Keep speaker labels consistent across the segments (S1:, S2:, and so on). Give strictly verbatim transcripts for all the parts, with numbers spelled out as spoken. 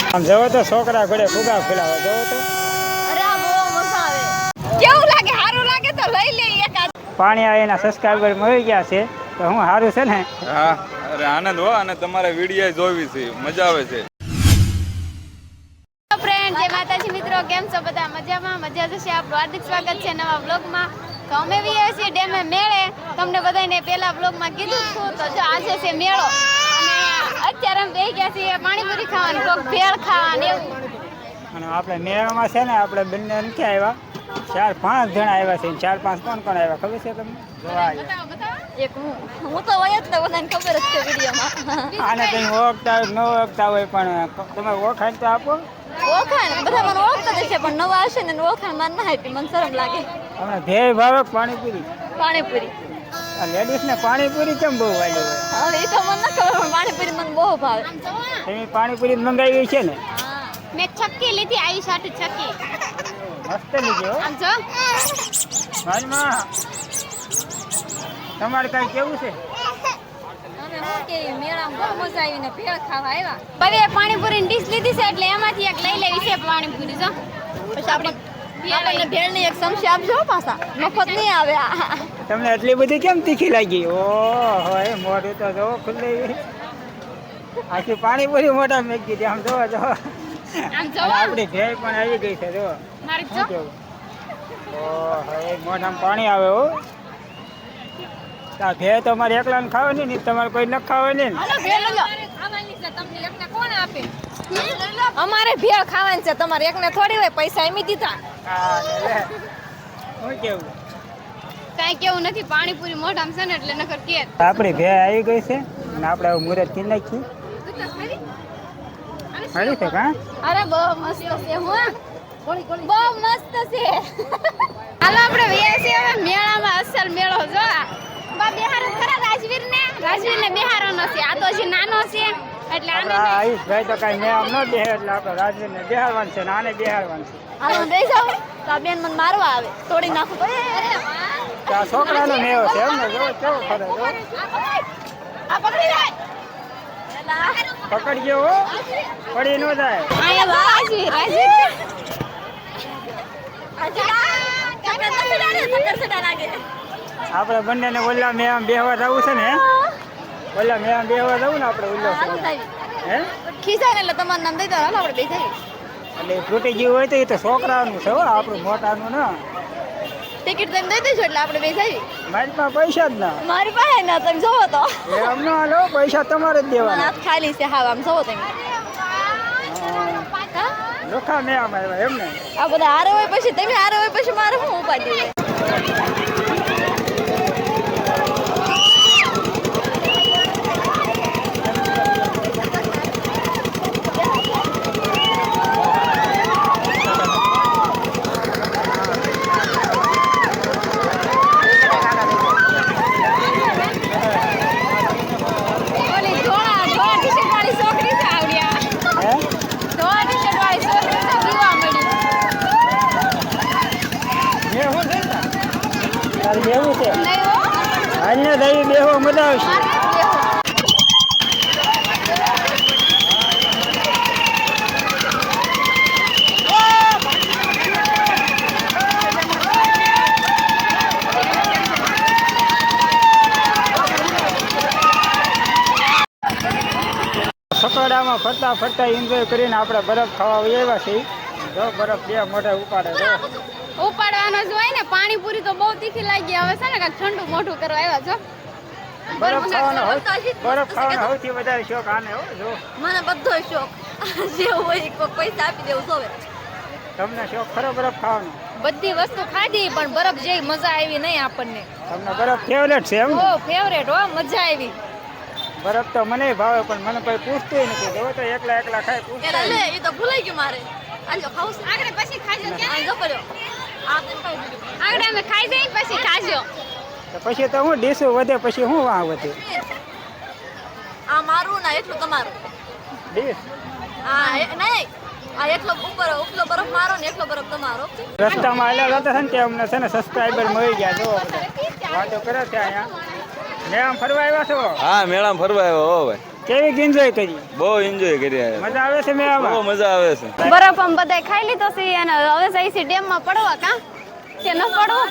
S1: આમ જવો તો છોકરા ઘોડે ફુગા ફેલાવે જવો તો
S2: અરે આ બહુ મજા આવે કેવું લાગે સારું લાગે તો લઈ લે એકાદ
S1: પાણી આવે એના સબસ્ક્રાઈબર મળી ગયા છે તો હું સારું છે ને
S3: હા અરે આનંદ હો અને તમારે વિડીયો જોવી છે મજા આવે છે
S2: ફ્રેન્ડ જય માતાજી મિત્રો કેમ છો બધા મજામાં મજા જશે આપણું હાર્દિક સ્વાગત છે નવા બ્લોગમાં તો અમે બી આવ્યા છીએ ડેમે મેળે તમને બધાને પહેલા બ્લોગમાં કીધું હતું તો જો આજે છે મેળો અને અત્યારે અમે બેસી ગયા છીએ પાણીપુરી ખાવાની કોક ભેળ ખાવાની એવું
S1: અને આપણે મેળામાં છે ને આપણે બંને નથી આવ્યા ચાર પાંચ જણા આવ્યા છે ચાર પાંચ કોણ કોણ આવ્યા ખબર છે તમને જોવા આવ્યા
S2: એક હું હું તો હોય જ ને બધાને ખબર જ છે વિડીયોમાં
S1: આને કંઈ ઓળખતા હોય ન ઓળખતા હોય પણ તમે ઓળખાણ તો આપો
S2: ઓળખાણ બધા મને ઓળખતા જ છે પણ નવા હશે ને ઓળખાણ માર ના આપી મને શરમ લાગે
S1: હમણાં ધ્યેય ભાવક પાણીપુરી
S2: પાણીપુરી
S1: આ લેડીઝને પાણીપુરી કેમ બહુ વાલી હોય
S2: હવે એ તો મને ના ખબર પણ પાણીપુરી મને બહુ ભાવે
S1: તમે પાણીપુરી મંગાવી છે ને
S2: મેં છક્કી લીધી આવી સાથે છક્કી
S1: મસ્ત લીધી હો
S2: આમ જો
S1: હાલમાં તમારે કાંઈ કેવું છે
S2: અમે શું કે મેળામાં બહુ મજા આવી ને ભેળ ખાવા આવ્યા હવે પાણીપુરીની ડીશ લીધી છે એટલે એમાંથી એક લઈ લેવી છે પાણીપુરી જો પછી આપણે આપણને ભેળની એક સમસી આપજો પાછા મફત નહીં આવે
S1: તમને એટલી બધી કેમ તીખી લાગી ઓહો એ મોઢું તો જો ખુલ્લે આખી પાણીપુરી મોઢા મેં દીધી આમ જોવો જો
S2: આમ જો
S1: આપણી ભેળ પણ આવી ગઈ છે જો
S2: મારી જો
S1: ઓહો એ મોઢામાં પાણી આવે હો તા ભેળ તો મારે એકલાને ખાવાની નહીં તમારે કોઈ ન ખાવાની ને
S2: હાલો ભેળ લો ખાવાની છે તમને એકને કોણ આપે અમારે ભેળ ખાવાની છે તમારે એકને થોડી હોય પૈસા એમી દીધા
S1: હા લે શું કેવું
S2: કાઈ કેવું નથી પાણીપુરી મોઢામાં છે ને એટલે નકર કે
S1: આપણી ભેળ આવી ગઈ છે અને આપણે હવે મુહૂર્ત કરી નાખીએ હાલી છે કા
S2: અરે બહુ મસ્ત છે હું બહુ મસ્ત છે હાલો આપણે વ્યા છે હવે મેળામાં અસલ મેળો જો બા બિહાર ખરા રાજવીર ને રાજવીર ને બિહારનો છે આ તો હજી નાનો છે એટલે આને
S1: આયુષ ભાઈ તો કઈ મેળામ ન બેહે એટલે આપણે રાજવીરને બેહાડવાનું છે ને આને બેહાડવાનું છે
S2: હાલો દઈ જાવ તો આ બેન મને મારવા આવે તોડી નાખું તો અરે
S1: તો આ છોકરાનો મેળો છે એમ ને જો કેવો ખરે જો
S2: આ પકડી લે
S1: પકડજો હો પડી ન જાય
S2: આયા રાજવીર રાજવીર
S1: આપણે બંનેને ઓલા મેળામાં બેહવા જવું છે ને ઓલા મેળામાં બેહવા જવું ને આપણે ઓલા હે
S2: ખીજાય ને એટલે તમારું નામ દઈ દો હાલો આપણે બેસી
S1: એટલે તૂટી ગયું હોય તો એ તો છોકરાનું છે હો આપણું મોટાનું ના
S2: ટિકિટ તમે દઈ દઈશું એટલે આપણે બેસી
S1: મારી પાસે પૈસા જ ના
S2: મારી પાસે ના તમે જોવો તો
S1: એમ ન હાલો પૈસા તમારે જ દેવાના
S2: હાથ ખાલી છે હા આમ જોવો તમે
S1: લોખા મેળામાં આવ્યા એમ ને
S2: આ બધા હારે હોય પછી તમે હારે હોય પછી મારે શું ઉપાડી હોય
S1: બેવું છે હાલને દઈ બેહો મજા આવશે સકડામાં ફરતા ફરતા એન્જોય કરીને આપણે બરફ ખાવા આવ્યા છીએ જો બરફ બે મોઢે ઉપાડે જો
S2: ઉપાડવાનો જ હોય ને પાણીપુરી તો બહુ તીખી લાગી હવે છે ને કાંઈક ઠંડુ મોઢું કરવા આવ્યા છો
S1: બરફ ખાવાનો બરફ ખાવાનો સૌથી વધારે શોખ આને હો જો
S2: મને બધો શોખ જે હોય કોઈ પૈસા આપી દેવું સોવે
S1: તમને શોખ ખરો બરફ ખાવાનો
S2: બધી વસ્તુ ખાધી પણ બરફ જેવી મજા આવી નહીં આપણને
S1: તમને બરફ ફેવરેટ છે એમ
S2: ઓ ફેવરેટ હો મજા આવી
S1: બરફ તો મને ભાવે પણ મને કોઈ પૂછતું નથી જો તો એકલા એકલા ખાય પૂછતા
S2: લે એ તો ભૂલાઈ ગયું મારે આજો ખાવ આગળ પછી ખાજો ક્યાં જો પડ્યો આગળ અમે ખાઈ જઈ પછી ખાજો
S1: તો પછી તો હું ડીશું વધે પછી હું વાહ વધે
S2: આ મારું ના એટલું તમારું
S1: ડીશ
S2: હા નહીં આ એટલો ઉપર ઉપલો બરફ મારો ને એટલો બરફ તમારો
S1: રસ્તામાં આવેલા હતા ને તે અમને છે ને સબસ્ક્રાઈબર મળી ગયા જો વાતો કરે છે અહીંયા મેળામાં ફરવા આવ્યા છો?
S3: હા મેળામાં ફરવા આવ્યો હો ભાઈ.
S1: કેવી એન્જોય કરી?
S3: બહુ એન્જોય કર્યા.
S1: મજા આવે છે
S3: બહુ
S1: મેળામાં?
S3: મજા આવે છે.
S2: બરફ આમ બધાય ખાઈ લીધો છે અને હવે જઈ છે ડેમ માં પડવા કા કે ન પડવું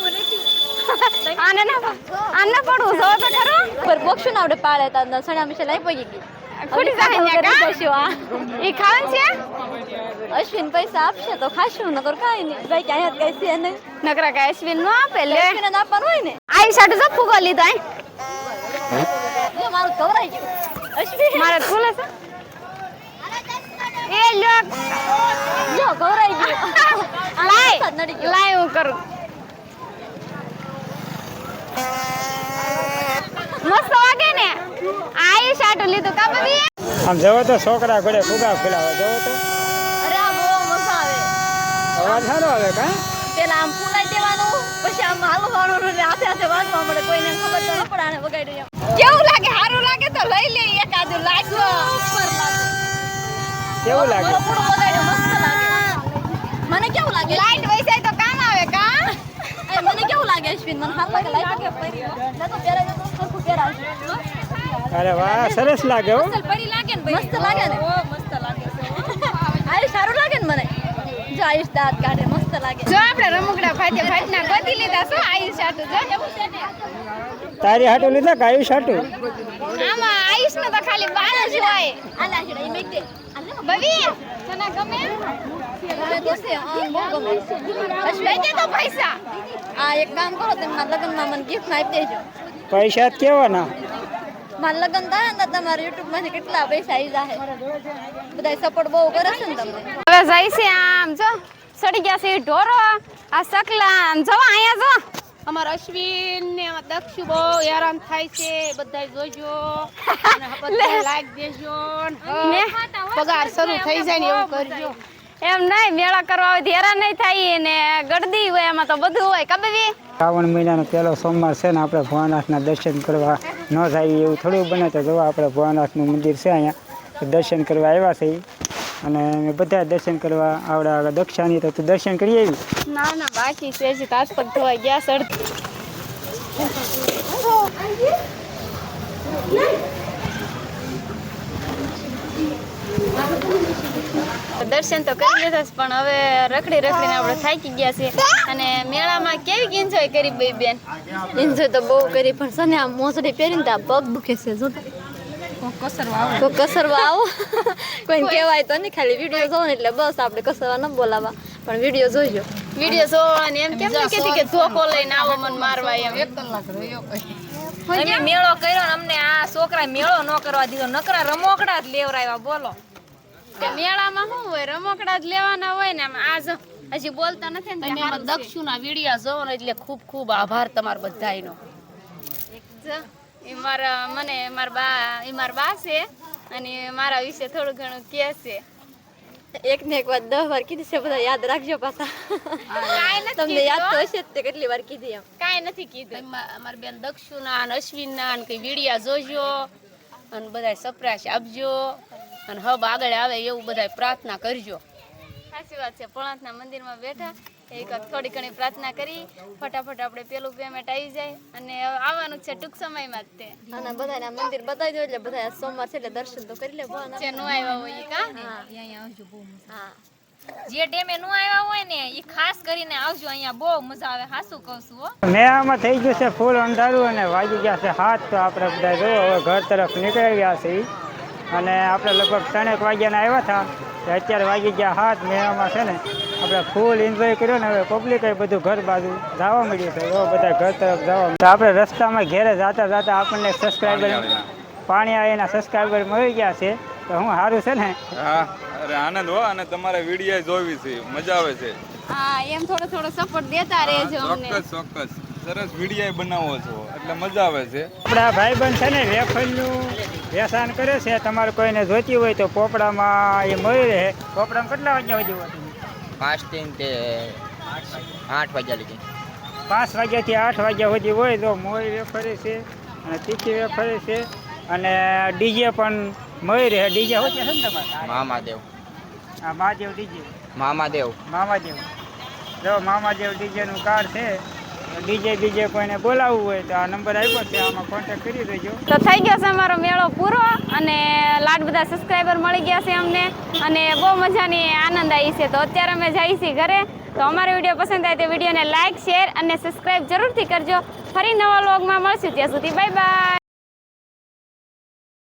S2: આને ના આને પડવું જો તો ખરો
S4: પર બોક્ષું ના આવડે પાળે તા સણા મિશે લઈ પડી ગઈ
S2: ખુડી જાય ને કા ઈ ખાવ છે
S4: અશ્વિન પૈસા આપશે તો ખાશું નકર કાઈ નહીં ભાઈ ક્યાં કઈ છે નહીં
S2: નકરા કા અશ્વિન નો આપે લે
S4: અશ્વિન ને આપવાનું હોય ને
S2: આઈ સાડુ જો ફૂગો લીધા
S4: જો મારું કવરાઈ ગયું અશ્વિન
S2: મારે ખુલે છે એ લોક
S4: જો કવરાઈ ગયું
S2: લાય
S4: નડી ગયો
S2: લાય હું કરું મસ્ત વાગે ને આઈ સાડુ લીધું કા બબી
S1: આમ જવો તો છોકરા ઘોડે ફુગા ફેલાવે જવો તો
S4: અરે આ બહુ મજા આવે
S1: અવાજ સારો આવે કા
S4: પેલા આમ ફૂલાઈ દેવાનું પછી આમ હાલવાનું ને હાથે હાથે વાગવા મળે કોઈને ખબર તો ન પડે આને વગાડી એમ
S2: કેવું લાગે સારું લાગે તો લઈ લે એકાદુ લાગો
S4: ઉપર લાગે
S1: કેવું લાગે?
S4: મારો પૂરો વગાડ્યો મસ્ત લાગે મને કેવું લાગે
S2: લાઈટ વૈસાય તો કામ આવે કા
S4: એ મને કેવું લાગે અશ્વિન મને હાલ લાગે લાગે પડી ના તો પહેરા તો સરખું પહેરા
S1: અરે વાહ સરસ લાગે હો.
S4: પડી લાગે ને મસ્ત લાગે ને ઓ મસ્ત લાગે આયુષ સારું લાગે ને મને જો આયુષ દાંત કાઢે મસ્ત લાગે
S2: જો આપણે રમકડા ફાટે ફાટના ગોતી લીધા શું આયુષ આટું જો
S1: તારી હાટું લીધા કે આયુષ હાટું?
S2: આમાં આયુષ નો તો ખાલી બાર જ હોય
S4: આલા છેડા ઈ મેક દે
S2: બબી તને ગમે
S4: મને તો છે આ બહુ ગમે
S2: લઈ દે તો પૈસા
S4: આ એક કામ કરો તમે મારા લગ્નમાં મને ગિફ્ટ આપી દેજો
S1: પૈસા જ કેવાના?
S4: મારા લગ્ન થાય ને તમારા યુટ્યુબ માંથી કેટલા પૈસા આવી જાય બધા સપોર્ટ બહુ કરે છે ને તમને
S2: હવે જાય છે આમ જો સડી ગયા છે ઢોરો આ સકલા આમ જો અહીંયા જો
S5: અમારા અશ્વિન ને દક્ષુ બહુ હેરાન થાય છે બધા જોજો અને બધા લાઈક દેજો
S2: ને
S5: પગાર શરૂ થઈ જાય ને એવું કરજો
S2: એમ નહીં મેળા કરવા હોય હેરાન નહીં થાય ને ગળદી હોય એમાં તો બધું હોય કબવી
S1: શ્રાવણ મહિનાનો પહેલો સોમવાર છે ને આપણે ભોળાનાથના દર્શન કરવા ન જાય એવું થોડું બને તો જોવા આપણે ભોળાનાથનું મંદિર છે અહીંયા દર્શન કરવા આવ્યા છે ઈ. અને અમે બધા દર્શન કરવા આવડા દક્ષાની તો તું દર્શન કરી આવી?
S2: ના ના બાકી છે હજી હાથ પગ ધોવાઈ ગયા સડ દર્શન તો કરી લીધા છે પણ હવે રખડી રખડીને આપણે થાકી ગયા છે અને મેળામાં કેવી એન્જોય કરી બે બેન
S4: એન્જોય તો બહુ કરી પણ સને આ મોસડી પહેરીને તો આ પગ દુખે છે જો તો કસરવા આવો કોઈ કહેવાય તો નહીં ખાલી વિડીયો જોવો ને એટલે બસ આપણે કસરવા ન બોલાવા પણ વિડીયો જોઈજો
S2: વિડીયો જોવાની એમ કેમ નહીં કહેતી કે ધોકો લઈને આવો મને મારવા એમ
S5: અમે મેળો કર્યો ને અમને આ છોકરા મેળો ન કરવા દીધો નકરા રમોકડા જ લેવરાવ્યા બોલો
S2: કે મેળામાં શું હોય રમકડા જ લેવાના હોય ને આમ આ જો હજી બોલતા નથી ને
S5: અને એમાં દક્ષુના વિડિયા જોવો ને એટલે ખૂબ ખૂબ આભાર તમારો બધાયનો
S2: જો ઈ મારા મને મારા બા ઈ મારા બા છે અને મારા વિશે થોડું ઘણું કહે છે
S4: એક ને એક વાત દસ વાર કીધી છે બધા યાદ રાખજો પાછા
S2: કાંઈ નથી
S4: તમને યાદ તો
S2: કીધું.
S4: હશે જ તે કેટલી વાર કીધી એમ
S2: કાંઈ નથી કીધું
S5: અમારી બેન દક્ષુના અને અશ્વિનના અને કઈ વિડિયા જોજો અને બધાય સપ્રાશ આપજો અને હબ આગળ આવે એવું બધાય પ્રાર્થના કરજો
S2: સાચી વાત છે ભોળાનાથના મંદિરમાં બેઠા એક થોડી ઘણી પ્રાર્થના કરી ફટાફટ આપણે પેલું પેમેન્ટ આવી જાય અને હવે આવવાનું છે ટૂંક સમયમાં જ તે
S4: અને બધાને આ મંદિર બતાવી દો એટલે બધા સોમવાર છે એટલે દર્શન તો કરી લે ભગવાનના.
S2: જે નો આવ્યા હોય ઈ કા
S4: હા
S5: જે ટેમે નું આવ્યા હોય ને એ ખાસ કરીને આવજો અહીંયા બહુ મજા આવે હાસું કહું છું હો
S1: મેળામાં થઈ ગયું છે ફૂલ અંધારું અને વાગી ગયા છે હાથ તો આપણે બધા જો હવે ઘર તરફ નીકળી ગયા છે ઈ. અને આપણે લગભગ ત્રણેક વાગ્યાના આવ્યા હતા તો અત્યારે વાગી ગયા હાથ મેળામાં છે ને આપણે ફૂલ એન્જોય કર્યો ને હવે પબ્લિક બધું ઘર બાજુ જવા મળ્યું છે એવો બધા ઘર તરફ જવા તો આપણે રસ્તામાં ઘેરે જતા જતા આપણને સબસ્ક્રાઈબર પાણી આવીના સબસ્ક્રાઈબર મળી ગયા છે તો હું સારું છે ને
S3: હા અરે આનંદ હો અને તમારા વિડીયો જોવી છે મજા આવે છે.
S2: હા એમ થોડો થોડો સપોર્ટ દેતા રહેજો અમને
S3: ચોક્કસ ચોક્કસ સરસ વિડીયો બનાવો છો એટલે મજા આવે છે.
S1: આપણા ભાઈબંધ છે ને વેફરનું વેચાણ કરે છે તમારે કોઈને જોઈતી હોય તો પોપડામાં એ મળી રહે. પોપડામાં કેટલા વાગ્યા સુધી હોય?
S6: પાંચ થી તે આઠ વાગ્યા લગી
S1: પાંચ વાગ્યાથી આઠ વાગ્યા સુધી હોય તો મોરી વેફરે છે અને તીખી વેફરે છે અને ડીજે પણ મળી રહે. ડીજે હોય છે ને તમારે?
S6: મામાદેવ
S1: હા મહાદેવ ડીજે
S6: મામાદેવ
S1: મામાદેવ જો મામાદેવ ડીજેનું કાર્ડ છે ડીજે બીજે કોઈને બોલાવવું હોય તો આ નંબર આપ્યો છે, આમાં કોન્ટેક્ટ કરી દેજો.
S2: તો થઈ ગયો છે અમારો મેળો પૂરો અને લાડ બધા સબસ્ક્રાઈબર મળી ગયા છે અમને અને બહુ મજાની આનંદ આવી છે. તો અત્યારે અમે જઈએ છીએ ઘરે. તો અમારો વિડીયો પસંદ આવે તો વિડીયોને લાઇક શેર અને સબસ્ક્રાઈબ જરૂરથી કરજો. ફરી નવા વ્લોગમાં મળશું, ત્યાં સુધી બાય બાય.